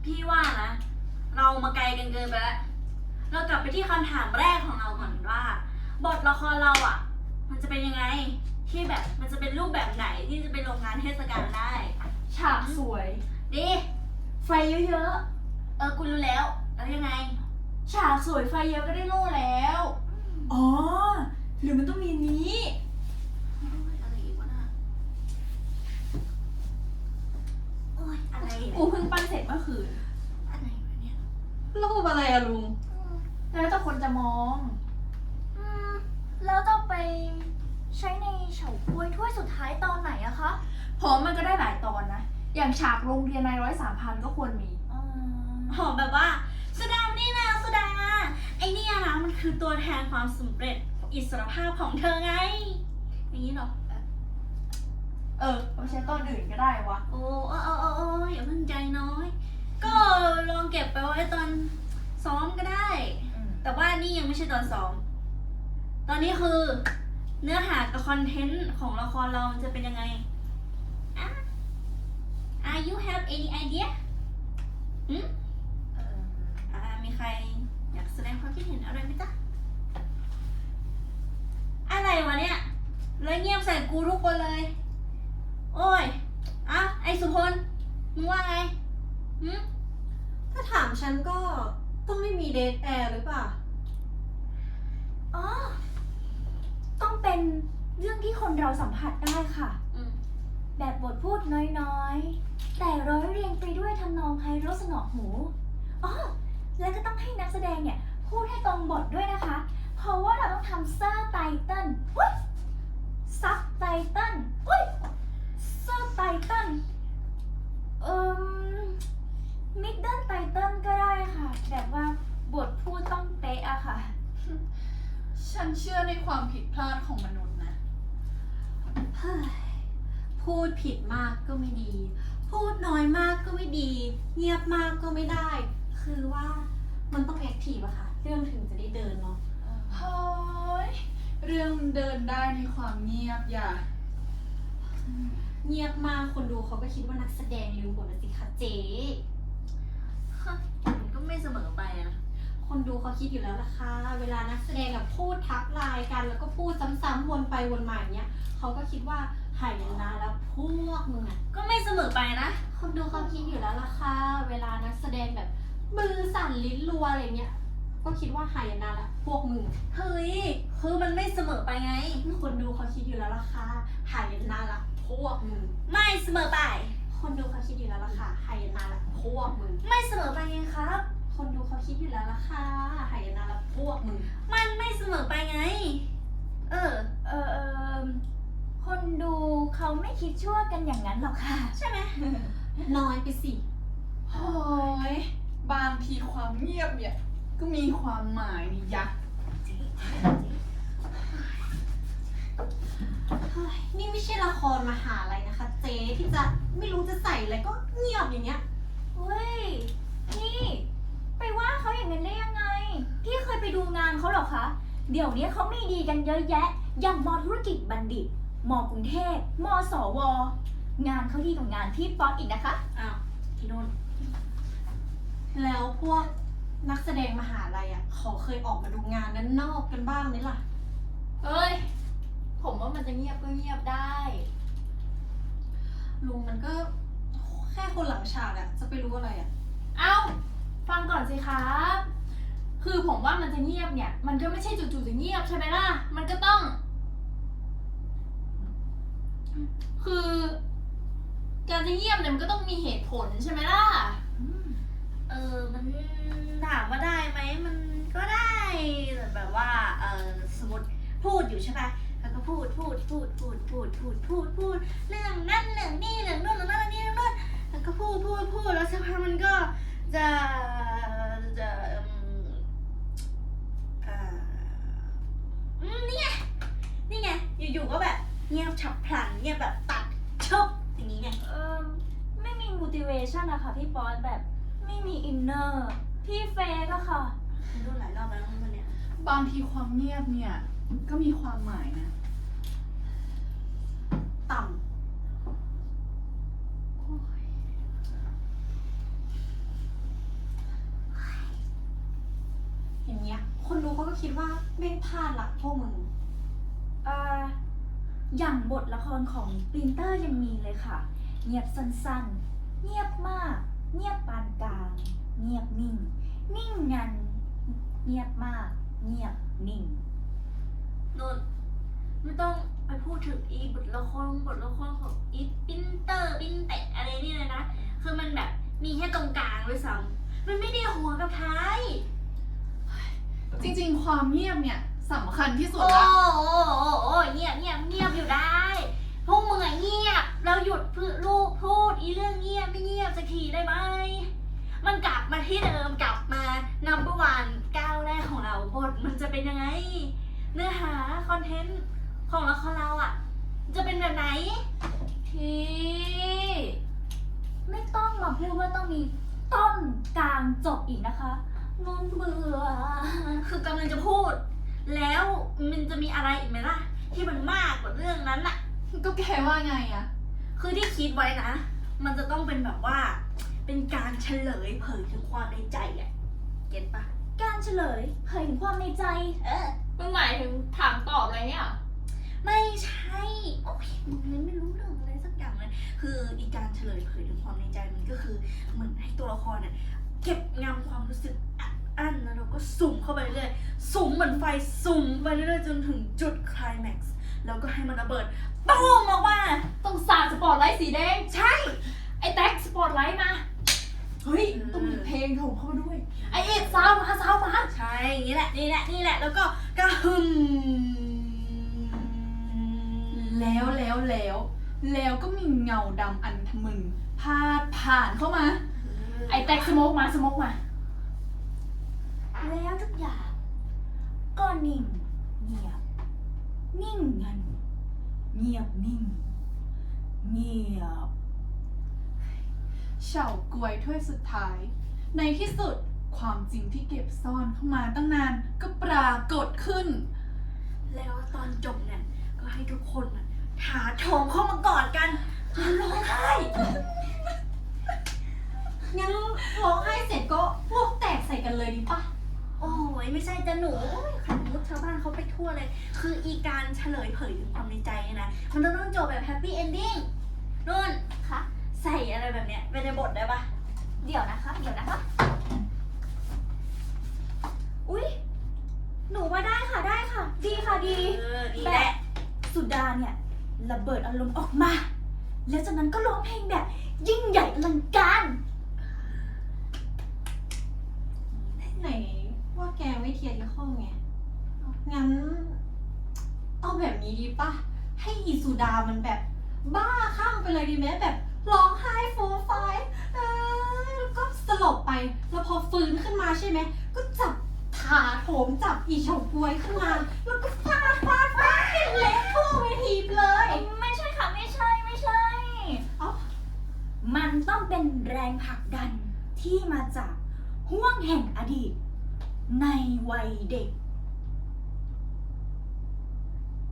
พี่ว่านะเรามาไกลกันเกินไปแล้วเรากลับไปที่คำถามแรกของเราก่อนว่าบทละครเราอ่ะมันจะเป็นยังไงที่แบบมันจะเป็นรูปแบบไหนที่จะไปลงงานเทศกาลได้ฉากสวยดีไฟเยอะกูรู้แล้วยังไงๆฉากสวยไฟเยอะก็ได้โล่แล้วอ๋อหรือมันต้องมีนี้อะไรอีกวะน่ะโอ้ยอะไรกูเพิ่งปั้นเสร็จเมื่อคืนอะไรวะเนี่ยรูปอะไรอะลุงแล้วแต่คนจะมองแล้วจะไปใช้ในเฉาก๊วยถ้วยสุดท้ายตอนไหนอะคะผมมันก็ได้หลายตอนนะอย่างฉากโรงเรียนนาย100-3,000ก็ควรมีหอมแบบว่าสุดานี่นะสุดาไอเนี่ยนะมันคือตัวแทนความสำเร็จอิสรภาพของเธอไงอย่างนี้เหรอไม่ใช่ตอนอื่นก็ได้วะโอ้อย่าเพิ่งใจน้อยก็ลองเก็บไปไว้ตอนซ้อมก็ได้แต่ว่านี่ยังไม่ใช่ตอนซ้อมตอนนี้คือเนื้อหากับคอนเทนต์ของละครเราจะเป็นยังไงyou have any idea มีใครอยากแสดงความคิดเห็นอะไรไหมจ๊ะอะไรวะเนี่ยเลยเงียบใส่กูทุกคนเลยโอ้ยไอสุพลมึงว่าไงถ้าถามฉันก็ต้องไม่มีเดทแอร์หรือเปล่าต้องเป็นเรื่องที่คนเราสัมผัสได้ค่ะแบบบทพูดน้อยๆแต่ร้อยเรียงไปด้วยทำนองไพเราะสนอหูแล้วก็ต้องให้นักแสดงเนี่ยพูดให้ตรงบทด้วยนะคะเพราะว่าเราต้องทำซับไตเติ้ลซับไตเติ้ลซับไตเติ้ลมิดเดิลไตเติ้ลก็ได้ค่ะแบบว่าบทพูดต้องเป๊ะอะค่ะฉันเชื่อในความผิดพลาดของมนุษย์นะพูดผิดมากก็ไม่ดีพูดน้อยมากก็ไม่ดีเงียบมากก็ไม่ได้คือว่ามันต้องแอคทีฟอะค่ะเรื่องถึงจะได้เดินเนาะเฮ้ยเรื่องมันเดินได้ในความเงียบอย่าเงียบมากคนดูเขาก็คิดว่านักแสดงลืมบทนะสิคะเจ๊มันก็ไม่เสมอไปนะคนดูเขาคิดอยู่แล้วล่ะค่ะเวลานักแสดงแบบพูดทักไลน์กันแล้วก็พูดซ้ำๆวนไปวนมาอย่างเงี้ยเขาก็คิดว่าหายนะแล้วพวกมึงอะก็ไม่เสมอไปนะคนดูเขาคิดอยู่แล้วล่ะค่ะเวลานักแสดงแบบมือสั่นลิ้นรัวอะไรเงี้ยก็คิดว่าหายนะแล้วพวกมึงเฮ้ยคือมันไม่เสมอไปไงคนดูเขาคิดอยู่แล้วล่ะค่ะหายนะละพวกมึงไม่เสมอไปคนดูเขาคิดอยู่แล้วล่ะค่ะหายนะละพวกมึงไม่เสมอไปไงครับคนดูเขาคิดอยู่แล้วล่ะค่ะหายนะละพวกมึงมันไม่เสมอไปไงคนดูเขาไม่คิดชั่วกันอย่างนั้นหรอกค่ะใช่ไหมน้อยไปสิโอ้ยบางทีความเงียบเนี่ยก็มีความหมายนี่ยะนี่ไม่ใช่ละครมหาลัยนะคะเจ๊ที่จะไม่รู้จะใส่อะไรก็เงียบอย่างเงี้ยเฮ้ยนี่ไปว่าเขาอย่างนั้นได้ยังไงพี่เคยไปดูงานเขาหรอคะเดี๋ยวนี้เขามีดีกันเยอะแยะอย่างมอธุรกิจบัณฑิตมอกรุงเทพมสวงานเขาดีกว่างานที่ป๊อตอีกนะคะที่โน่นแล้วพวกนักแสดงมหาลัยเขาเคยออกมาดูงานนั้นนอกกันบ้างไหมล่ะเอ้ยผมว่ามันจะเงียบก็เงียบได้ลุงมันก็แค่คนหลังฉากจะไปรู้อะไรฟังก่อนสิครับคือผมว่ามันจะเงียบเนี่ยมันก็ไม่ใช่จู่ๆจะเงียบใช่ไหมล่ะมันก็ต้องคือการจะเงียบเนี่ยมันก็ต้องมีเหตุผลใช่ไหมล่ะมันถามว่าได้ไหมมันก็ได้แต่แบบว่าสมมติพูดอยู่ใช่ปะแล้วก็พูดเรื่องนั่นเรื่องนี่เรื่องนู่นเรื่องนั่นเรื่องนี่เรื่องนู่นแล้วก็พูดแล้วสักพักมันก็จะนี่ไงอยู่ๆก็แบบเงียบฉับพลันเงียบแบบตัดชบอย่างนี้ไงไม่มี motivation นะคะพี่ป๊อตแบบไม่มี inner พี่เฟย์ก็ค่ะดูหลายรอบแล้วคนเนี้ยบางทีความเงียบเนี่ยก็มีความหมายนะต่ำโอ้ยเงี้ย คนดูเขาก็คิดว่าแม่งพลาดละพวกมึงอย่างบทละครของปรินเตอร์ยังมีเลยค่ะ เงียบสั้นๆ เงียบมาก เงียบปานกลาง เงียบนิ่ง นิ่งงัน เงียบมาก เงียบนิ่งนุ่นไม่ต้องไปพูดถึงอีบทละครของอีปินเตอร์ปินเตะอะไรนี่เลยนะ คือมันแบบมีแค่ตรงกลางด้วยซ้ำมันไม่ได้หัวกับท้ายจริงๆ ความเงียบเนี่ยสำคัญที่สุดโอ้ละโอ้เงียบอยู่ได้พวกมึงอะเงียบเราหยุดพูดอีเรื่องเงียบไม่เงียบสักทีได้ไหมมันกลับมาที่เดิมกลับมาnumber one ก้าวแรกของเราบทมันจะเป็นยังไง เนื้อหาคอนเทนต์ของละครเราอะจะเป็นแบบไหนที่ไม่ต้องมาพูดว่าต้องมีต้นกลางจบอีกนะคะนนเบื่อคือกำลังจะพูด แล้วมันจะมีอะไรอีกไหมล่ะ ที่มันมากกว่าเรื่องนั้นอะก็แกว่าไงอะคือที่คิดไว้นะ มันจะต้องเป็นแบบว่า เป็นการเฉลยเผยถึงความในใจอะเก็ตปะการเฉลยเผยถึงความในใจมึงหมายถึงถามตอบอะไรเนี่ยไม่ใช่ โอ้ยมึงเลยไม่รู้เรื่องอะไรสักอย่างเลย คืออีการเฉลยเผยถึงความในใจมันก็คือเหมือนให้ตัวละครเนี่ยเก็บงำความรู้สึกอั้นแล้วเราก็สุ่มเข้าไปเรื่อยๆสุ่มเหมือนไฟสุ่มไปเรื่อยๆจนถึงจุดไคลแม็กซ์แล้วก็ให้มันระเบิดตูมออกมาต้องสาดสปอตไลท์สีแดงใช่ไอ้แท็กสปอตไลท์มา เฮ้ย ต้องมีเพลงโถมเข้ามาด้วย ไอ้เอ็ดซาวมาใช่นี่แหละแล้วก็กระหึ่มแล้วก็มีเงาดำอันทะมึนพาดผ่านเข้ามา ไอ้แท็กสโมกมาแล้วทุกอย่างก็นิ่งเงียบ นิ่งงัน เงียบนิ่ง เงียบเฉากวยถ้วยสุดท้าย ในที่สุดความจริงที่เก็บซ่อนเข้ามาตั้งนานก็ปรากฏขึ้นแล้วตอนจบเนี่ยก็ให้ทุกคนน่ะถาโถมเข้ามากอดกันร้องไห้งั้นร้องไห้เสร็จก็พวกแตกใส่กันเลยดีปะโอ้ยไม่ใช่จะหนูโอ้ยขันมุดชาวบ้านเขาไปทั่วเลย คืออีการเฉลยเผยถึงความในใจเนี่ยนะมันต้องจบแบบแฮปปี้เอนดิ้งนุ่นคะใส่อะไรแบบเนี้ยไปในบทได้ปะเดี๋ยวนะคะ อุ๊ย หนูว่าได้ค่ะ ดีค่ะ ดีดีแบแหละบสุดาเนี่ยระเบิดอารมณ์ออกมา แล้วจากนั้นก็ร้องเพลงแบบ ยิ่งใหญ่อลังการไหนว่าแกไม่เทียร์ที่ข้อไง งั้นเอาแบบนี้ดีปะให้อีสุดามันแบบบ้าคลั่งไปเลยดีไหมแบบร้องไห้ฟูมฟายแล้วก็สลบไป แล้วพอฟื้นขึ้นมาใช่ไหม ก็จับถาโถมจับอีเฉาก๊วยขึ้นมา แล้วก็ฟาดให้เละทั่วเวทีไปเลยไม่ใช่ค่ะ ไม่ใช่เอ้ามันต้องเป็นแรงผลักดันที่มาจากห่วงแห่งอดีต ในวัยเด็ก